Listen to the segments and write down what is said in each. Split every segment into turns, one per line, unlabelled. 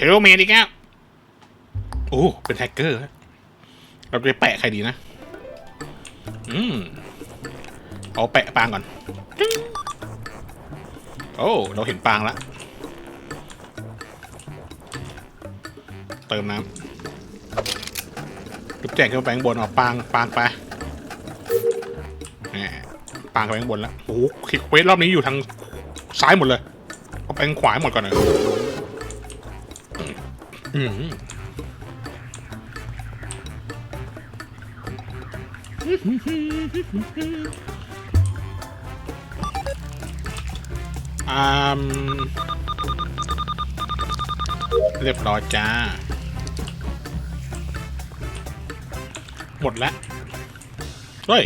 ลเมนอีกแล้วโอ้เป็นแฮกเกอร์เราจะแปะใครดีนะเอาแปะปางก่อนโอ้เราเห็นปางแล้วเติมน้ำจุดแจกขึ้นไปข้างบนเอาปางไปปางไปข้างบนแล้วโอ้คลิกเวทรอบนี้อยู่ทางซ้ายหมดเลยเอาไปทางขวาหมดก่อนเลยเรียบร้อยจ้าหมดแล้วเฮ้ย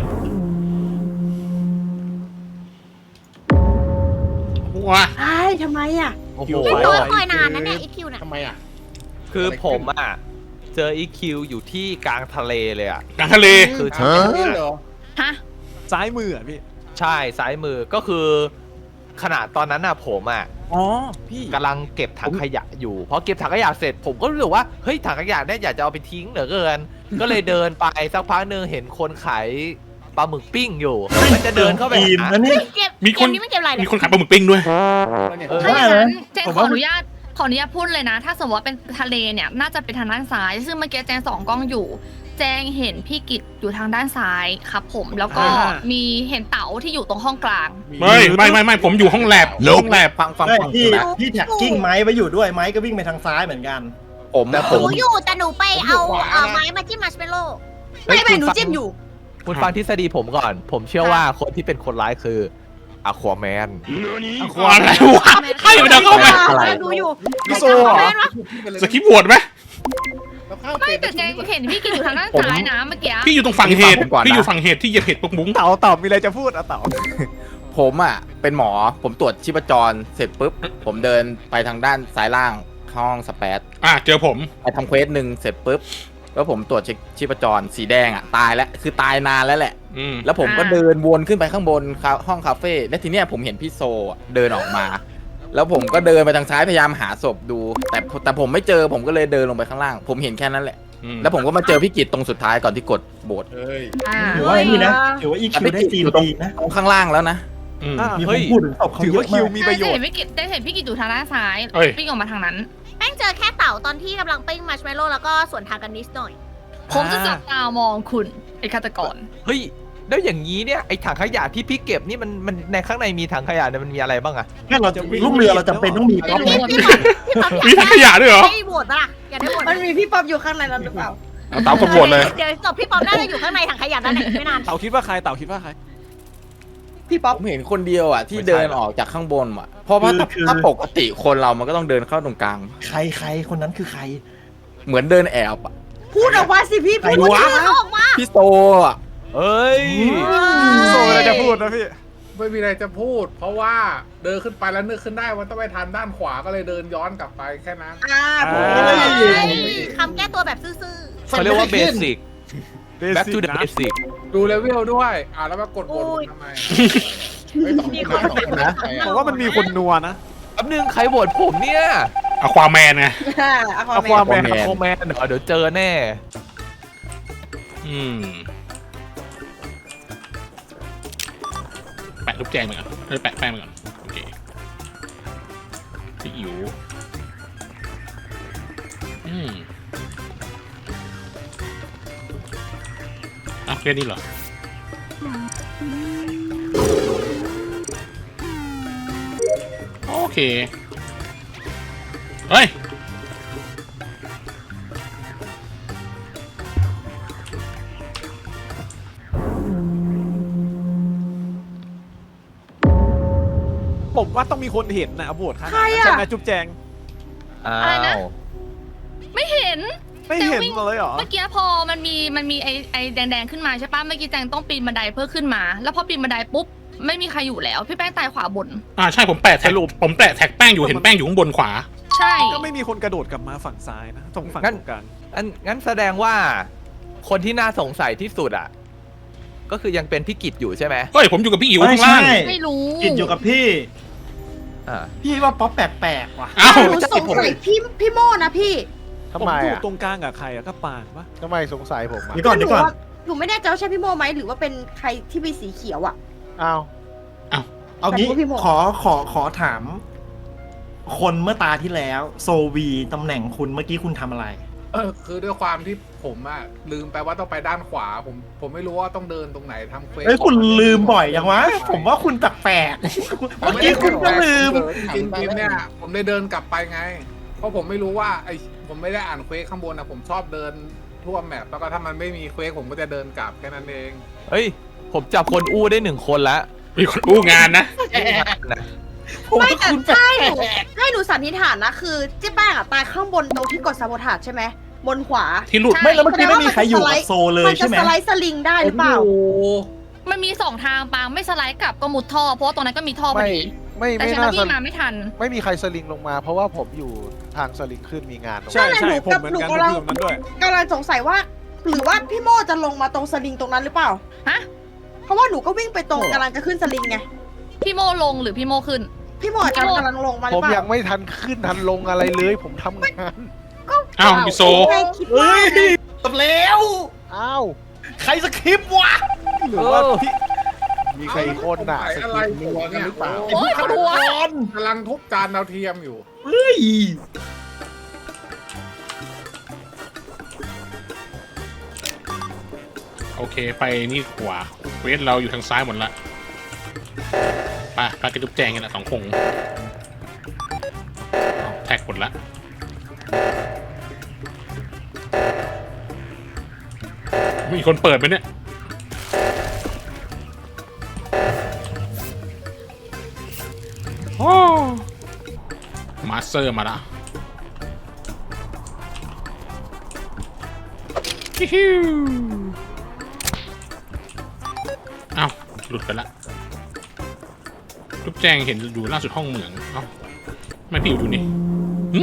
ว้า
ทำไมอ่ะ
โอ้โห
พี่โต๊ะคอยนานนะเนี่ยอีคิวน่ะ
ทำไมอ่ะ
คือผมอ่ะเจอ EQ อยู่ที่กลางทะเลเลยอ่ะ
กลางทะเล
คือ
นี่เหรอ
ฮะ
ซ้ายมืออ่ะพี่
ใช่ซ้ายมือก็คือขนาดตอนนั้นน่ะผมอ่ะ
อ๋อพี่
กำลังเก็บถังขยะอยู่พอเก็บถังขยะเสร็จผมก็รู้สึกว่าเฮ้ยถังขยะเนี่ยอยากจะเอาไปทิ้งเหลือเกิน ก็เลยเดินไปสักพักหนึ่งเห็นคนขายปลาหมึกปิ้งอยู่มันจะเดินเข้าไปหา
เก็บ
มีคน
เกนี้ไม่เก็บอะไร
มี
เนี่ย
คนขายปลาหมึกปิ้งด้วย
ถ้าอย่างนั้นเจน
ผม
ข
ว่า
ออนุญาตพูดเลยนะ ถ้าสมมติว่าเป็นทะเลเนี่ยน่าจะเป็นทางด้านซ้าย ซึ่งเมื่อกี้แจงส่องกล้องอยู่ แจงเห็นพี่กิตอยู่ทางด้านซ้ายครับผมแล้วก็มีเห็นเต๋าที่อยู่ตรงห้องกลาง
ไม่ผมอยู่ห้องแลบห้องแลบ
ฟัง
พี่แท็กกิ้งไม้ไว้อยู่ด้วยไม้ก็วิ่งไปทางซ้ายเหมือนกัน
ผม
หนูอยู่แต่หนูไปเอาไม้มาจิ้มมัชเมลโล่
ไม่หนูจิ้มอยู่
คุณฟังทฤษฎีผมก่อน ผมเชื่อว่าคนที่เป็นคนร้ายคืออควาแมน
อะไรวะใครมันจะเข้ามา
ดูอยู่
พี่โซ่เหรอ
สกิปโหวตไหม
ไม่แต่แจงเห็นพี่กิตอยู่ทางด้านซ้ายนะเมื่อกี้
พี่อยู่ตรงฝั่งเหตุพี่อยู่ฝั่งเหตุที่เหยียบเห็ดปุกบุ้ง
เต่ามีอะไรจะพูดอ่ะเต่า
ผมอ่ะเป็นหมอผมตรวจชีพจรเสร็จปุ๊บผมเดินไปทางด้านซ้ายล่างห้องสเปซ
เจอผม
ไปทำเควสหนึ่งเสร็จปุ๊บแล้วผมตรวจเช็คชีพจรสีแดงอ่ะตายแล้วคือตายนานแล้วแหละแล้วผมก็เดินวนขึ้นไปข้างบนห้องคาเฟ่และทีเนี้ยผมเห็นพี่โซเดินออกมา แล้วผมก็เดินไปทางซ้ายพยายามหาศพดู แต่ผมไม่เจอผมก็เลยเดินลงไปข้างล่าง ผมเห็นแค่นั้นแหละแล้วผมก็มาเจอพี่กิตตรงสุดท้ายก่อนที่กดโบส
ถือว่าไอ้นี่นะถือว่าอีคิวได้ซีนดีนะ
ตรงข้างล่างแล้วนะ
มีคนพูดถึงศพเขา
ถือ
เย
ว่า
อะ
คิ
มาว ก
มีประโยชน์
เห็นพี่กิตได้เห็นพี่กิตอยู่ทางด้านซ้ายวิ่งออกมาทางนั้น แป้งเจอแค่เต่าตอนที่กำลังปิ้งมัชเมลโล่แล้วก็สวนทางกันนิดหน่อย ผมจะจับตามองคุณไอ้ฆาตกร
เฮ้ยแล้วอย่างนี้เนี่ยไอถังขยะที่พี่เก็บนี่มันในข้างในมีถังขยะเนี่ยมันมีอะไรบ้างอะ
งั้นเราจะลูกเรือเราจำเป็นต้องมีป๊อป
มีถังขยะด้วยเหรอ
ให้โหวตปะล่ะอย่าได้โหวต
มันมีพี่ป๊อปอยู่ข้างในนั้นหรือเปล่า
เต๋ากดโหวตเลย
เดี๋ยวจบพี่ป๊อปน่าจะอยู่ข้างในถังขยะนั่นแหละไม่นาน
เต่าคิดว่าใครเต่าคิดว่าใคร
พี่ป๊อป
ผมเห็นคนเดียวอ่ะที่เดินออกจากข้างบนอ่ะเพราะว่าถ้าปกติคนเรามันก็ต้องเดินเข้าตรงกลาง
ใครคนนั้นคือใคร
เหมือนเดินแอบอ่ะ
พูดออกมาสิพี่พูด
ใครวะ
ชื่อเขาออกมา
พี่โซอ่ะ
เอ้ย
โซอะไรจะพูดนะพี่
ไม่มีอะไรจะพูด เพราะว่าเดินขึ้นไปแล้วนึกขึ้นได้ว่าต้องไปทางด้านขวาก็เลยเดินย้อนกลับไปแค่นั้น
คำแก้ตัวแบบซื่อ
เขาเรียกว่าเบสิก back to the basic
ดูเลเวลด้วยแล้วมากดโหวตทำไมไม่ต้อง
มีคนเป็น
นะ
ผมว่ามันมีคนนัวนะ
แป๊บนึงใครโหวตผมเนี่ย
อควาแมนไง
เอาความแมน
โคแมนเดี๋ยวเจอแน่
แปะรูปแจงไปก่อนแปะแป้งไปก่อนโอเคพี่อิ๋วแค่นี้เหรอโอเคเฮ้ย
ผมว่าต้องมีคนเห็นนะโบดครับ
ใครอะ
ใช่ไหมจุ๊บแจง
อ้า
อะไรนะ
ว
ไม่เห็น
ไม่เห็นเลยเหรอ
เมื่อกี้พอมันมีไอ้แดงๆขึ้นมาใช่ปะเมื่อกี้แจงต้องปีนบันไดเพื่อขึ้นมา แล้วพอปีนบันไดปุ๊บไม่มีใครอยู่แล้วพี่แป้งตายขวาบน
ใช่ผมแปะแท็กผมแปะแท็กแป้งอยู่เห็นแป้งอยู่ข้างบนขวา
ใช่
ก็ไม่มีคนกระโดดกลับมาฝั่งซ้ายนะตรงฝั่งตรงกลาง
งั้นแสดงว่าคนที่น่าสงสัยที่สุดอ่ะก็คือยังเป็นพี่กิจอยู่ใช่ไหม
เฮ้ยผมอยู่กับพี่อิ๋ว
ไม่
ข้างล่าง
ใช่
ไม่รู้
กินอยู่กับพี่พี่ว่าป๊อปแปลกๆว่ะ
เอ้า
หนูสงสัยพี่โมนะพี่
ผมอยู่ตรงกลางกับใครอะก็ปางปะ
ทำไมสงสัยผมอ่ะ
เดี๋ยวก่อน
หนูไม่แน่ใจว่าใช่พี่โมไหมหรือว่าเป็นใครที่มีสีเขียวอะ
อ้าว
เอางี้
แต่ว่าพี่โม
ขอถาม คนเมื่อตาที่แล้วโซวีตำแหน่งคุณเมื่อกี้คุณทำอะไร
คือด้วยความที่ผมอะลืมไปว่าต้องไปด้านขวา ผมไม่รู้ว่าต้องเดินตรงไหนทำเควส
เอ้ยคุณลืมบ่อยยังวะ ผมว่าคุณแปลกๆเมื่อกี้คุณก็ลืม
จริงๆเนี่ยผมได้เดินกลับไปไง เพราะผมไม่รู้ว่าผมไม่ได้อ่านเควสข้างบนนะผมชอบเดินทั่วแมปแล้วก็ถ้ามันไม่มีเควสผมก็จะเดินกลับแค่นั้นเอง
เฮ้ยผมจับคนอู้ได้1 คนแล้ว
มีคนอู้งานนะ
ไม่แต่ให้หนูสันนิษฐานนะคือเจ๊แป้งอะตายข้างบนตรงที่กดซาโบทาจใช่ไหมบนขวา
ที่หลุด
ไม่แล้วเมื่อกี้ไม่มีใครอยู่กับโซเลย
มันจะ
ใช่ไหม
สไลด์สลิงได้หรือเปล่า
โอ้โห
มันมี2 ทางปางไม่สไลด์กลับก็มุดท่อเพราะว่าตรงนั้นก็มีท่อพอ
ไม่
ดี
ไม่
แต่
ไม่
ฉัน
น่า
วิ่งมาไม่ทัน
ไม่มีใครสลิงลงมา เพราะว่าผมอยู่ทางสลิงขึ้นมีงานตรง
ใช่
นั้น
ใช่
หนู
ผม
กับ
เหมือน
หนู
กัน
กำลัง
อยู่ตรงนั้นด้วย
กำลังสงสัยว่า หรือว่าพี่โมจะลงมาตรงสลิงตรงนั้นหรือเปล่า
ฮะ
เพราะว่าหนูก็วิ่งไปตรงกำลังจะขึ้นสลิงไง
พี่โมลงหรือพี่โมขึ้น
พี่โมอาจจะกำลังลงมาห
ผ
รือ
ม
เปล่า
ยังไม่ทันขึ้นทันลงอะไรเลย ผมทำงาน
อ้าวพี่โซ
ไม่คิดว่า
เฮ้ยตบแล้ว
อ้าว
ใครสคริปต์วะ
หรือว่าพี่
มีใครคนน่ะ
ไอ้
ส
อะไร
กิป
หัวเนี่ย
หรือเปล่า
โอ้ยปวดหัว
กำลังทุบจานดาวเทียมอยู่
เฮ้ย
โอเคไปนี่ขวาเควสเราอยู่ทางซ้ายหมดละไปกระจุบแจงกันละ2 คงแท็กหมดละมีคนเปิดไหมเนี่ยโอ้มาสเตอร์มาละฮิฮิวอ้าวหลุดไปละลูกแจงเห็นอยู่ล่าสุดห้องเหมืองเอ้าไม่พี่อยู่นี่หึ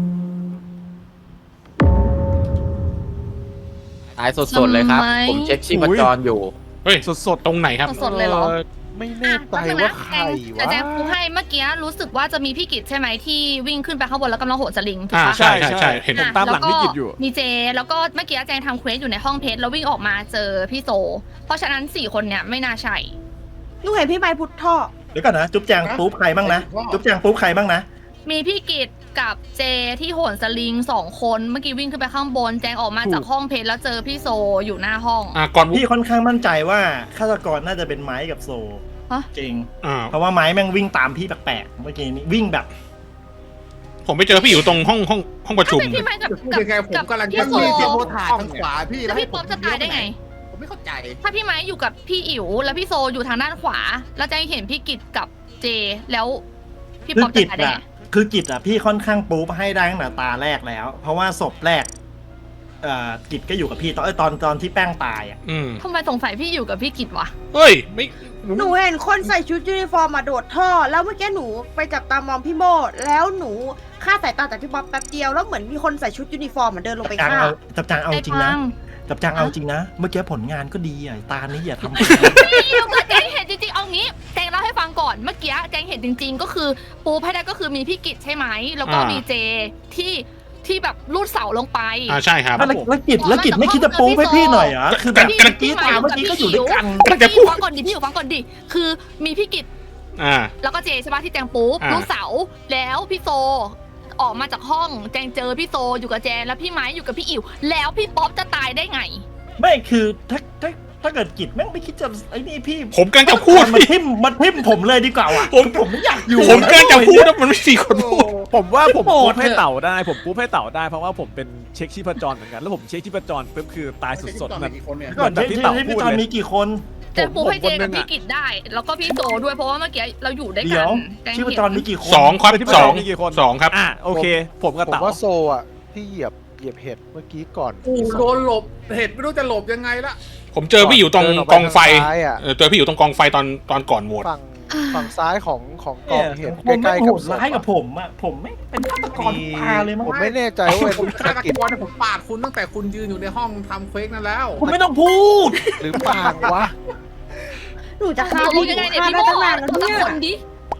ตายสดๆเลยครับ
ทำไม
ผมเช็คชีพจรอยู่
เฮ้ย
สด
ตรงไหนครับ
สดๆเลยเหรอ
ไม่แน่ใจว่าใคร
แต่
วะ
แจงพูให้เมื่อกี้รู้สึกว่าจะมีพี่กิจใช่ไหมที่วิ่งขึ้นไปข้างบนแล้วกำลังโหนสลิงถูก
อ่า
ปะ
ใช่ใช่ใช่เห็น
ผมตามหลังพี่กิจอยู่
มีเจแล้วก็เมื่อกี้แจงทำเควสอยู่ในห้องเพชรแล้ววิ่งออกมาเจอพี่โซ เพราะฉะนั้น4 คนเนี่ยไม่น่าใช่
หนูเห็นพี่ไม้พุทธท่อ
เดี๋ยวก่อนนะ จุ๊บแจงปุ๊บใครบ้างนะ จุ๊บแจงปุ๊บใครบ้างนะ
มีพี่กิจกับเจที่โหนสลิง2 คนเมื่อกี้วิ่งขึ้นไปข้างบนแจงออกมาจากห้องเพชรแล้วเจอพี่โซอยู่หน้าห้อง
ก่อน
พี่ค่อนข้างมั่นใจว่าฆาตกรน่าจะเป็นไม้กับโซ
ฮะ
จริง
อ่า
เพราะว่าไม้แม่งวิ่งตามพี่แปลกๆเมื่อกี้นี้วิ่งแบบ
ผมไปเจอพี่อยู่ตรงห้องประชุม
ถ้าเป็นพี่ไม้กับ
พูดยังไงผมกำลัง
พี่โซ
จะ
โมถ่ายทางขวาพี่
แล้วพี่ป๊อปจะตายได้ไง
ผมไม่เข้าใจ
ถ้าพี่ไม้อยู่กับพี่อิ๋วแล้วพี่โซอยู่ทางด้านขวา แล้วแจงเห็นพี่กิจกับเจแล้วพี่
คือ
ป๊อป
กิ
จะ
จ
ตายได้
อะ
ไง
คือกิจอะพี่ค่อนข้างปุ๊บให้ได้ตั้งแต่ตาแรกแล้ว เพราะว่าศพแรกกิจก็อยู่กับพี่ตอนที่แป้งตายอะ
อืม
ทำไมสงสัยพี่อยู่กับพี่กิจวะ
เฮ้ยไม่
หนูเห็นคนใส่ชุดยูนิฟอร์มมาโดดท่อ แล้วเมื่อกี้หนูไปจับตามองพี่โมแล้วหนูฆ่าสายตาจากพี่ป๊อปแป๊บเดียวแล้วเหมือนมีคนใส่ชุดยูนิฟอร์มมาเดินลงไป
จับจาง
ฆ่า
เอาจริงนะ
ไอ้ปัง
จับจางเอาจริงนะ เมื่อกี้ผลงานก็ดีอ่ะตานี้อย่าทำ
พี่อิ๋วกับแจงเห็นจริงๆเอางี้แจงเล่าให้ฟังก่อนเมื่อกี้แจงเห็นจริง ๆ ก็คือปูให้ได้ก็คือมีพี่กิจใช่ไหมแล้วก็มีเจที่แบบลูดเสาลงไป
ใช่ครับ
แล้วกิจไม่คิดจะปุ๊บให้พี่หน่อยเหรอคือแบบ
กำลัง
กี้ตาเมื่อกี้ก็อยู่ด้วยกัน
กำลังจะพูด
ฟังก่อนดิพี่อยู่ฟังก่อนดิคือมีพี่กิจ
อ่า
แล้วก็เจใช่ปะที่แจงปุ๊บ
อ่า
ลูกเสาแล้วพี่โซออกมาจากห้องแจงเจอพี่โซอยู่กับแจนแล้วพี่ไม้อยู่กับพี่อิ๋วแล้วพี่ป๊อปจะตายได้ไง
ไม่คือถ้าเกิดกิจแม่งไม่คิดจะไอ้นี่พี่
ผมกำลังจะพูด
มันทิ่มผมเลยดีกว่าว่ะ
ผม
ไม่อยากอยู่
ผมกำลังจะพูดนะมันไม่4 คนพูด
ผมว่าผม
โห
ปุ๊
ด
บให้
เถอะ
เต่าได้ผมปุ๊บให้เต่าได้เพราะว่าผมเป็นเช็คชีพจรเหมือนกันแล้วผมเช็คชีพจรปุ๊บคือตายสดๆแบบ
กี่คนเนี่ย
ก่อน
แบบที่เต่า
ที่
พู
พี่
ด
ตอน
เลย
มีกี่คน
แจงปุ๊บให้เจ
ผมคนหนึ่
กับ
ง
พี่
อะ
กิจได้ แล้วก็พี่โซด้วยเพราะว่าเมื่อกี้เราอยู่ด้วย
เดี๋
กั
ย
น
ว
แจง
ชีพ
เห็น
จรมีกี่คน
2 ครับ
ที่ประจรมีกี่คน
2ครับ
อ่ะโอเค ผมกับ
ผม
เต่า
ว่าโซอ่ะที่เหยียบเห็ดเมื่อกี้ก่อน
โดนหลบเห็ดไม่รู้จะหลบยังไงละ
ผมเจอพี่อยู่ตรง
เดินออกไป
กองไฟ
ทางซ้ายอะ
เจอพี่อยู่ตรงกองไฟตอนก่อนโหวต
ฝั่งซ้ายของก
เนี่
อย งเห็ด
ผม
ใกล้
ไม่
ๆ
โห
กับ
ดร้ายกับผมอ่ะผมไม่เป็นฆาตกรทุกตาเลยมั้ง
ผมไม่แน่ใจว่า
ผม
เป็น
ฆาต
กิจ
กรเนี่ยผมปาดคุณตั้งแต่คุณยืนอยู่ในห้องทำเควสนั่นแล้ว
คุณไม่ต้องพูด
หรือปางวะ
หนูจะฆ่า
ตกล
พี่
ง
ห
ยัง
นู
ไงเนี่ย
ฆ่า
พี่
ได้
โม
ตั้งนานแล้ว
สัก
เนี่ย
คนดิ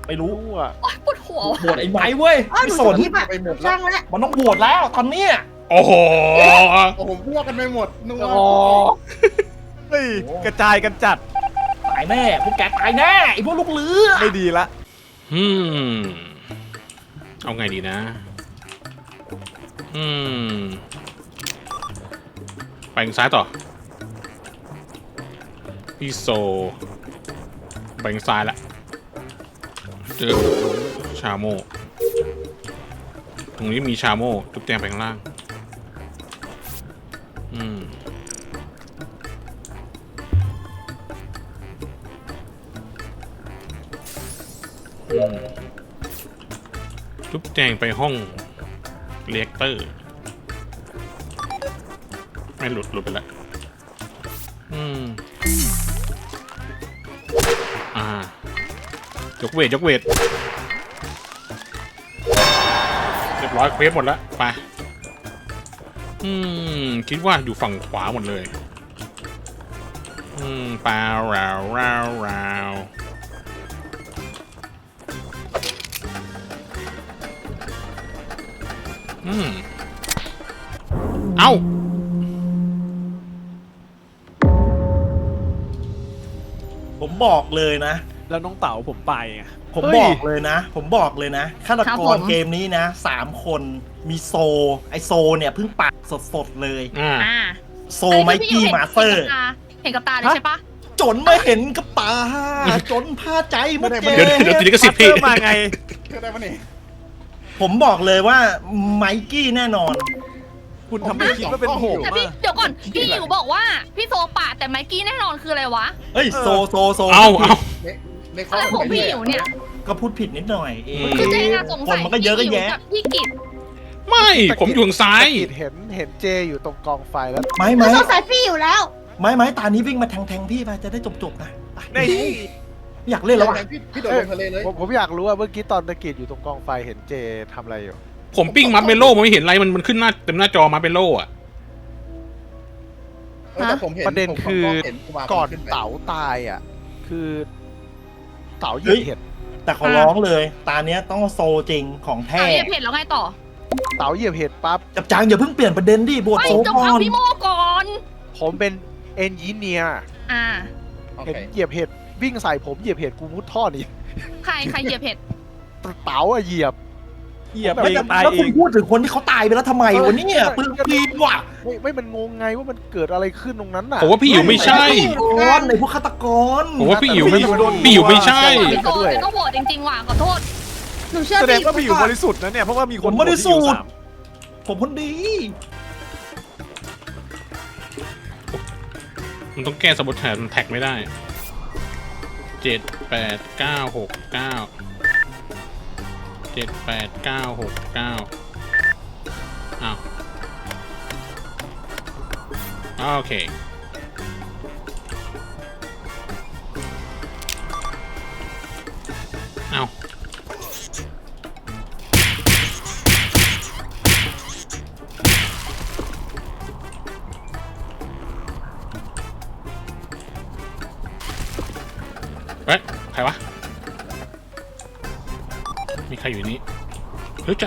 ไม่รู้
อ่ะ
โอ๊ยปวดหัว
โหวตไอ้ไม้เว้ย
อ้าวห
ไม่
นู
ส
จะ
น
คิดอะ
ไปหมดแล้ว
ช่างแล้ว
มันต้องโหวตแล้วตอนเนี้ย
โอ้โห
โอ้โหพวกกันไปหมดนึกว่า
เฮ้ยกระจายกันจัด
ตายแน่พวกแกตายแน่ไอ้พวกลูกเรือ
ไม่ดีละ
เอาไงดีนะ ไปทางซ้ายต่อ พี่โซไปทางซ้ายละ เจอชาโม ตรงนี้มีชาโมจุ๊บแจงไปข้างล่าง จุ๊บแจงไปห้องเรียกเตอร์ ไม่หลุดไปแล้วยกเวท เรียบร้อยเควสหมดแล้ว ไป คิดว่าอยู่ฝั่งขวาหมดเลยปลาราวเอ้า
ผมบอกเลยนะ
แล้วน้องเต๋าผมไปไง
ผมบอกเลยนะฆาตกรเกมนี้นะ3 คนมีโซไอโซเนี่ยเพิ่งปากสดๆเลย โซไมกี้มาสเตอร์
เห็นกับตาเลยใช่ปะ
จนไม่เห็นกับตาจนพาใจหมดเจ
เดี๋ยวตีก็สิบพี่
มาไง
เชื่อได้ปะเนี่ย
ผมบอกเลยว่าไมกี้แน่นอน
คุณทำให้คิดว่าเป็นผม
แต่พี่
อะ
เดี๋ยวก่อนพี่อยู่บอกว่าพี่โซปะแต่ไมกี้แน่นอนคืออะไรวะ
เฮ้ยโซ
เอา
ในข้
อะไรของพี่อยู่เนี่ย
ก็พูดผิดนิดหน่อยเอง
คือเจ๊น่าสง
ค
สั
น
ย
มันก็เยอะก็แยะ
กับพี่กิต
ไม่ ผมอยู่ทางซ้าย
ตะกิดเห็นเจอยู่ตรงกองไฟแล้ว
ไม่
หนูสงสัยพี่อยู่แล้ว
ไม่ตานี้วิ่งมาแทงพี่ไปจะได้จบๆนะไป
นี่
อยากเล่นแล้วอ่ะ
พี่โดดลงทะเลเลย
ผมอยากรู้ว่าเมื่อกี้ตอนตะกิดอยู่ตรงกองไฟเห็นเจทำอะไรอยู่
ผมปิ้งมัดเมโล่ไม่เห็นอะไรมันขึ้นหน้าเต็มหน้าจอมัดเมโล่อะ
แต่ผมเห็น
ประเด็น
ผม
คือ
เห็นกุมาร
ก่อน
ขึ้ไป
เต๋าตายอ่ะ คือเต๋าเหยียบเห็ด
แต่ขอร้องเลย ตาเนี้ยต้องโซจริงของแท้
เอาเหยียบเห็นแล้วไงต่อ
เต๋าเหยียบเห็ดปั๊บ
จับจางอย่าเพิ่งเปลี่ยนประเด็นดิบวช
ไม่
โซ
จง
ก่อ
เอา
น
พี่โมก่อน
ผมเป็นเอนจิเนียร์
โอ
เห็น
เค
เหยียบเห็ดวิ่งใส่ผมเหยียบเห็ดกูมุดท่อนี่
ใครเหยียบเห็ด
เต๋าอะเหยียบ
เหยียบ
แล้ว
เองตาย
แล้ว
เอ
คุณ
ง
พูดถึงคนที่เขาตายไปแล้วทำไมวะเนี่ยปืนปีนว่ะ
ไม่มันงงไงว่ามันเกิดอะไรขึ้นตรงนั้นน่ะ
ผมว่าพี่อยู่ไม่ใช่
ในพวกฆาตกร
ผมว่าพี่อยู่ไม่ใช่
พี่โซจะต้องโหวตจริงๆว่ะขอโทษ
หนูเชื่อ
แสดง
พี่
ว่าพี่อยู่บริสุทธิ์นะเนี่ยเพราะว่ามีคน
ผมบริสุทธิ์
ที่อยู่สาม
ผมคนดี
มันต้องแก้สมบูรณ์แทนมันแท็กไม่ได้ 7 8 9 6 9 7 8 9 6 9อ้าวโอเคเอาเฮ้ย ใครวะ มีใครอยู่นี้เฮ้ยจะ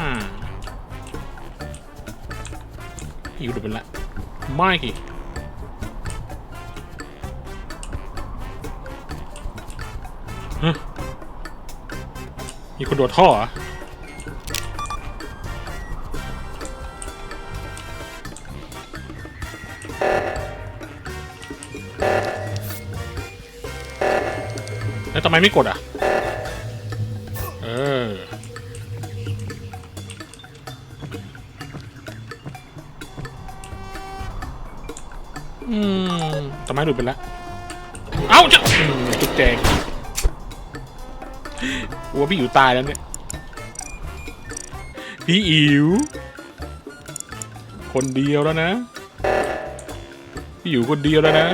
อยู่ดูเป็นละไม่กี่ฮะมีคนโดดท่อเหรอแล้วทำไมไม่กดอ่ะ ทำไมหลุดไปแล้ว เอ้าจะจุกแจงวัวพี่อิ๋วตายแล้วเนี่ย พี่อิ๋วคนเดียวแล้วนะ พี่อิ๋วคนเดียวแล้วนะ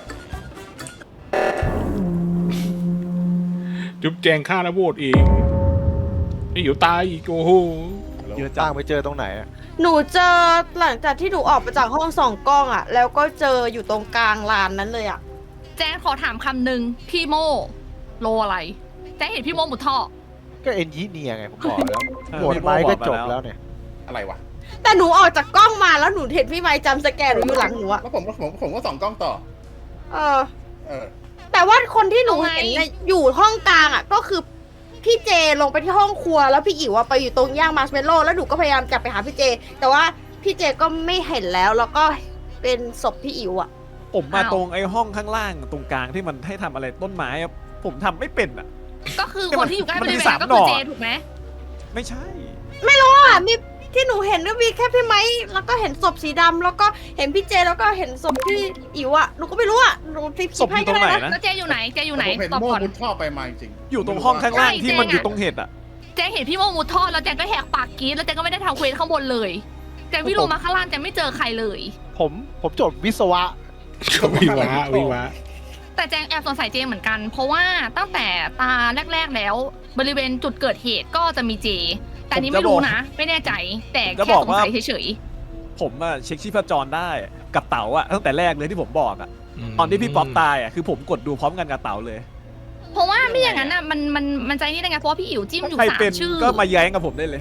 จุ๊บแจงฆ่าแล้วโหวตเองพี่อิ๋วตายอีกโอ้โห
ยืนตั้งไปเจอตรงไหนอะ
หนูเจอหลังจากที่หนูออกมาจากห้องส่องกล้องอ่ะ แล้วก็เจออยู่ตรงกลางลานนั้นเลยอ่ะ
แจนขอถามคำหนึ่งพี่โมโลอะไรแจ้งเห็นพี่โมมุดท่อ
ก็เอนจิเนียร์ไงผมบอกแล้วโหวตไม้ก็จบแล้วเนี่ย
อะไรวะ
แต่หนูออกจากกล้องมาแล้วหนูเห็นพี่ไม้จำสแกนหนูอยู่หลังหนูอะ
แล้วผมก็ส่องกล้องต่อ
เออ
เออ
แต่ว่าคนที่หนู
เอาไง
เห็นน่ะอยู่ห้องกลางอะก็คือพี่เจลงไปที่ห้องครัวแล้วพี่อิ๋วอะไปอยู่ตรงย่างมาร์ชเมลโล่แล้วหนูก็พยายามจะไปหาพี่เจ แต่ว่าพี่เจก็ไม่เห็นแล้วก็เป็นศพพี่อิ๋วอะ
ผมมาตรงไอ้ห้องข้างล่างตรงกลางที่มันให้ทำอะไรต้นไม้อะผมทำไม่เป็นอ่ะ
ก็คือคนที่อยู่ใกล้บ
มัน
ริ
มี
เวณ
สาม
ก็
หน่
คือ
อ
เจถูกไหม
ไม่ใช่
มีที่หนูเห็นก็มีแค่พี่ไม้แล้วก็เห็นศพสีดำแล้วก็เห็นพี่เจแล้วก็เห็นศพพี่อิ๋วอะหนูก็ไม่รู้อะหนูทิป
ศพอยู่ตรงไหนนะ
แล้วเจอยู่ไหนเจอยู่ไหน
ผมเห็น
ตอบ
โม่
ก่อน
มุดท่อไปมาจริง
อยู่ตรงห้องข้างล่าง
ใช่
ที่มัน
เจ๊
อยู่ตรงเห็ดอ่ะ
เจเห็นพี่โมมุดท่อแล้วเจก็แหกปากกรีดแล้วเจก็ไม่ได้ทำเควสข้างบนเลยเจวิ่งลงมาข้างล่างเจไม่เจอใครเลย
ผมจบวิศวะ
วิวะ
แต่แจงแอบสงสัยเจเหมือนกัน เพราะว่าตั้งแต่ตาแรกๆแล้ว บริเวณจุดเกิดเหตุก็จะมีเจ แต่อันนี้ไม่รู้นะ ไม่แน่ใจ แต่แค่สงสัยเฉย
ผมอะเช็คชีพจรได้กับเต๋าอะตั้งแต่แรกเลยที่ผมบอกอะตอนที่พี่ป๊อปตายอะคือผมกดดูพร้อมกันกับเต๋าเลย
ๆเพราะว่าไม่อย่างนั้นอ่ะมันใจนี่ได้ไงเพราะว่าพี่อิ๋วจิ้มอยู่
ใคร
สา
เป็น
มชื่อ
ก็มาแย้งกับผมได้เลย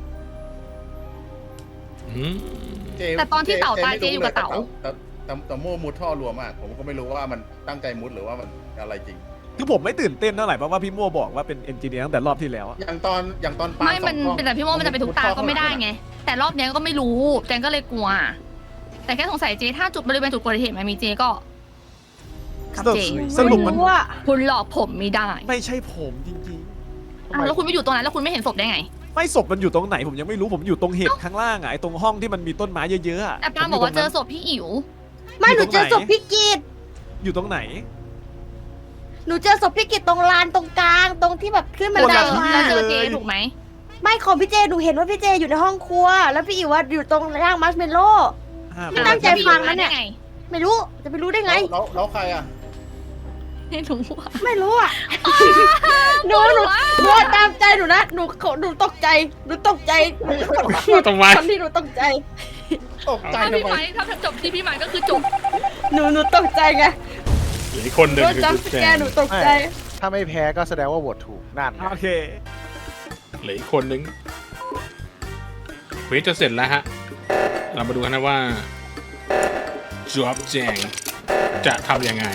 ๆเจ
แต่ตอนที่เต่าตาย
ไม่
เจอยู่กับเต่า
แต่โม่มุดท่อรัวมาก ผมก็ไม่รู้ว่ามันตั้งใจมุดหรือว่ามันอะไรจริง
คือผมไม่ตื่นเต้นเท่าไหร่เพราะว่าพี่มั่วบอกว่าเป็นเอนจิเนียร์ตั้งแต่รอบที่แล้วอะ
อย่างตอนปา
ไม่มัน
สองกล้อง
เป็นแต่พี่โมมันจะไปทุกตาก็ไม่ได้ไง แต่รอบเนี้ยก็ไม่รู้แจงก็เลยกลัว แต่แค่สงสัยเจถ้าจุดบริเวณจุดเกิดเหตุมันมีเจก็ครับเจ
สรุปมัน
ไรู้อะ
คุณหลอกผมไม่ได้
ไม่ใช่ผมจริง
อ้าวแล้วคุณไม่อยู่ตรงนั้นแล้วคุณไม่เห็นศพได้ไง
ๆ ไม่ศพมันอยู่ตรงไหนผมยังไม่รู้ผมอยู่ตรงเห็ดข้างล่างอะไอ้ตรงห้องที่มันมีต้นไม้เยอะๆอะ
แต่ปาบอกว่าเจอศพพี่อิ๋ว
ไม่หนูเจอศพพี่กีด
อยู่ตรงไหน
หนูเจอศพพี่กิตตรงลานตรงกลางตรงที่แบบขึ้นบัน
คน
ได
ละที่
มา
แล้วเจอเจถูกไหม
ไม่ของพี่เจหนูเห็นว่าพี่เจอยู่ในห้องครัว แล้วพี่อิ๋วว่าอยู่ตรงย่างมัสเมลโล่ ไม่ตั้งใจฟังนะเนี่ย ไม่รู้จะไปรู้ได้ไง
แล้วใครอ่ะ
ไม่รู้อะ
ไม่รู้อ่ะหนูตามใจหนูนะหนูตกใจหนูตกใจ
ทำไม
คนที่หนูตกใจ
ตกใจ
ถ้า
ทำ
พี่
ไม
ไม้ถ้าจบที่พี่ไม้ก็คือจบ
หนูตกใจไง
เหลืออีกคนหนึ่ง
โดน
คือ
จับ
จุ๊บ
แก
แจง
หนูตกใจ
ถ้าไม่แพ้ก็แสดงว่าโหวตถูกนั่น
โอเค
เหลืออีกคนหนึ่งเควสจะเสร็จแล้วฮะ เรามาดูกันนะว่าจุ๊บแจงจะทำยังไง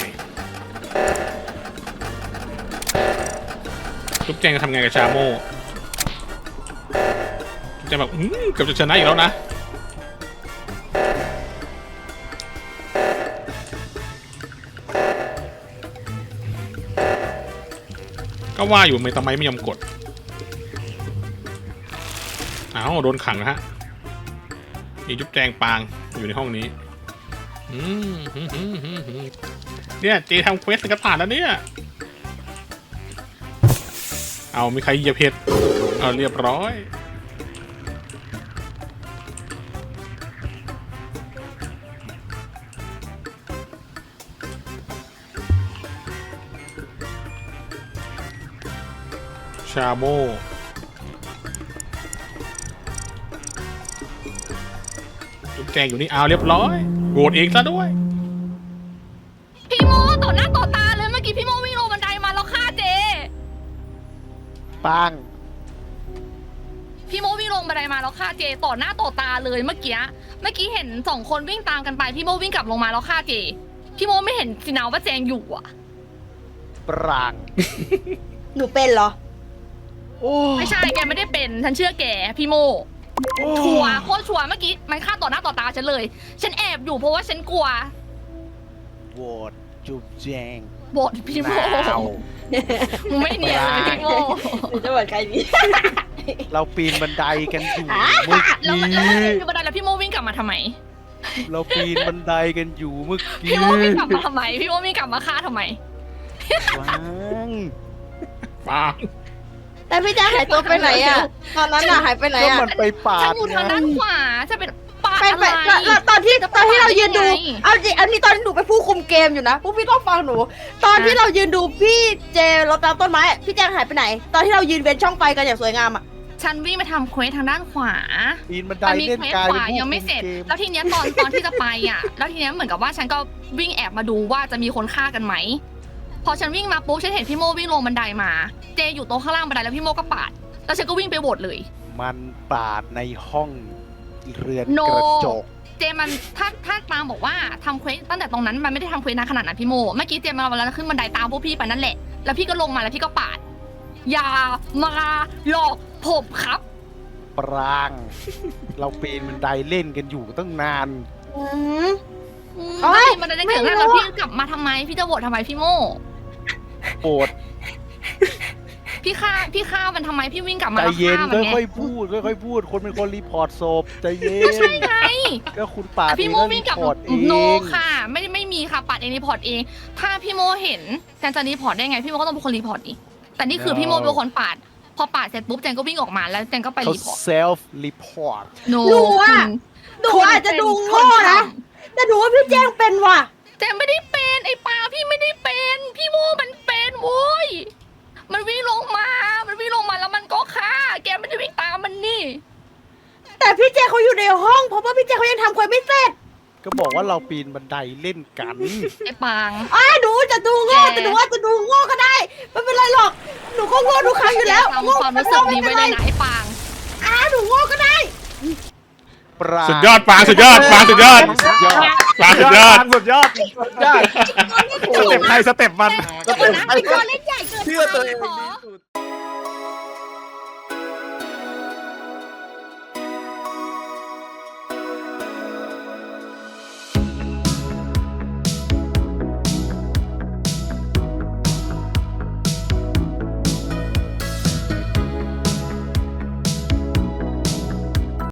จุ๊บแจงจะทำไงกับชาโม่จุ๊บแจงแบบเกือบจะชนะอีกแล้วนะ ก็ว่าอยู่ทำไมไม่ยอมกดอ้าวโดนขังนะฮะมีจุ๊บแจงปางอยู่ในห้องนี้เนี่ยเจทำเควสกันผ่านแล้วเนี่ยเอามีใครเหยียบเห็ดเอาเรียบร้อยชาโมจุ๊บแจงอยู่นี่เอาเรียบร้อยโหวตเองซะด้วย
พี่โมต่อหน้าต่อตาเลยเมื่อกี้พี่โมวิ่งลงบันไดมาแล้วฆ่าเจ
ปัง
พี่โมวิ่งลงบันไดมาแล้วฆ่าเจต่อหน้าต่อตาเลยเมื่อกี้เห็นสองคนวิ่งตามกันไปพี่โมวิ่งกลับลงมาแล้วฆ่าเจพี่โมไม่เห็นสินะว่าแจงอยู่อ่ะ
ปราง
หนูเป็นเหรอ
โอ้
ไม่ใช่แกไม่ได้เป็นฉันเชื่อแกพี่โมชัวร์โคตรชัวร์เมื่อกี้มันฆ่าต่อหน้าต่อตาฉันเลย ฉันแอบอยู่เพราะว่าฉันกลัว
โหวตจุบแจง
บทพี่โม
เอา
มึงไม่เนียนเลยพี่โม
หนูจะบอกใครดี
เราปีนบันไดกันอยู่เมื่อ
แล้วมัน
กี้
อยู่บันไดแล้วพี่โมวิ่งกลับมาทำไม
เราปีนบันไดกันอยู่เมื่อกี้
พี่โมวิ่งกลับมาทำไมพี่โมวิ่งกลับมาฆ่าทำไม
ปัง
ปาง
แต่พี่แจ๊คหายตัวไปไหนอ่ะตอนนั้นอ่ะหายไปไหน
ก็
อ่ะ
มันไปปา
ฉัน
ด
อยู่ทางด้านขวาจะเป็นปาด
ไป
อะไร
แล้วตอนที่เรายืนดูเอาจริงอันนี้ตอนที่หนูไปนผู้คุมเกมอยู่นะพวกพี่ต้องฟังหนู ตอนที่เรายืนดูพี่เจรถตามต้นไม้พี่แจ๊คหายไปไหน ตอนที่เรายืนเว้นช่องไฟกันอย่างสวยงามอ่ะ
ฉันวิ่งไปทำเควสทางด้านขวา
ปีนบันได
มันมี
เล่น
เควส
กาย
ข
เป็น
วา
ผู้
ยังไม่
คุม
เสร็จ
เกม
แล้วทีเนี้ยตอนที่จะไปอ่ะ แล้วทีเนี้ยเหมือนกับว่าฉันก็วิ่งแอบมาดูว่าจะมีคนฆ่ากันไหมพอฉันวิ่งมาปุ๊บฉันเห็นพี่โมวิ่งลงบันไดมา เจอยู่ตรงข้างล่างบันไดแล้วพี่โมก็ปาดแล้วฉันก็วิ่งไปโหวตเลย
มันปาดในห้องเรือน
No
กระจก
เจมันถ้าตามบอกว่าทำเควสตั้งแต่ตรงนั้นมันไม่ได้ทำเควสนานขนาดนั้นพี่โมเมื่อกี้เจมาวันแล้วขึ้นบันไดตามพวกพี่ไปนั่นแหละแล้วพี่ก็ลงมาแล้วพี่ก็ปาดอย่ามาหลอกผมครับ
ปราง เราปีนบันไดเล่นกันอยู่ตั้งนาน
อืม
เอ้ยมันได้ถึงแล้วพี่กลับมาทำไมพี่จะโหวตทำไมพี่โม
โปรด
พี่ฆ่ามันทำไมพี่วิ่งกลับมา
ใจ
แล้ว
เย็น
ฆ่ามันไง
ค่อยๆพูดค่อยๆพูด คนเป็นคนรีพอร์ตศพใจเย็น
ก็ใช่ไง
ก็คุณปาด
พี่โม
เอง
วิ่งกลับ
รีพอร์ตเอง
โนค่ะ ไม่มีค่ะปัดเองรีพอร์ตเอง ถ้าพี่โมเห็นแจนจะรีพอร์ตได้ไงพี่โมก็ต้องเป็นคนรีพอร์ตอีกแต่นี่คือพี่โมเป็นคนปาด พอปาดเสร็จปุ๊บแจนก็วิ่งออกมาแล้วแจนก็ไป
เขา
รีพอร์ต
เซลฟ์รีพอร์ต
โน
หนูอาจจะดูโง่นะ แต่หนูว่าพี่แจ้งเป็นว่ะ
แจนไม่ได้เป็นไอ้ปาพี่ไม่ได้เป็นพี่โมมันเป็นโว้ยมันวิ่งลงมาแล้วมันก็ฆ่าแกไม่ได้วิ่งตามมันนี่
แต่พี่แจ้งเขาอยู่ในห้องเพราะว่าพี่แจ้งเขายังทำควายไม่เสร็จ
ก็บอกว่าเราปีนบันไดเล่นกัน
ไอ้ปาง
หนูจะดูโง่แต่หนูว่าจะดูโง่ก็ได้ไม่เป็นไรหรอกหนูก็โง่ทุกครั้งอยู่แล้ว
ทำความรู้สึกนี้ไว้เลยนะไอ้ปาง
หนูโง่ก็ได้
ปราง
สุดยอดปางสุดยอดปางสุดยอดปางสุดยอด
สุดยอดสเต็ปใครสเต็ปมัน
แต่วันนั้นพี่ตัวเล่นใหญ่เกินไป
เชื่อตัวเอง
ขอ
ดีสุด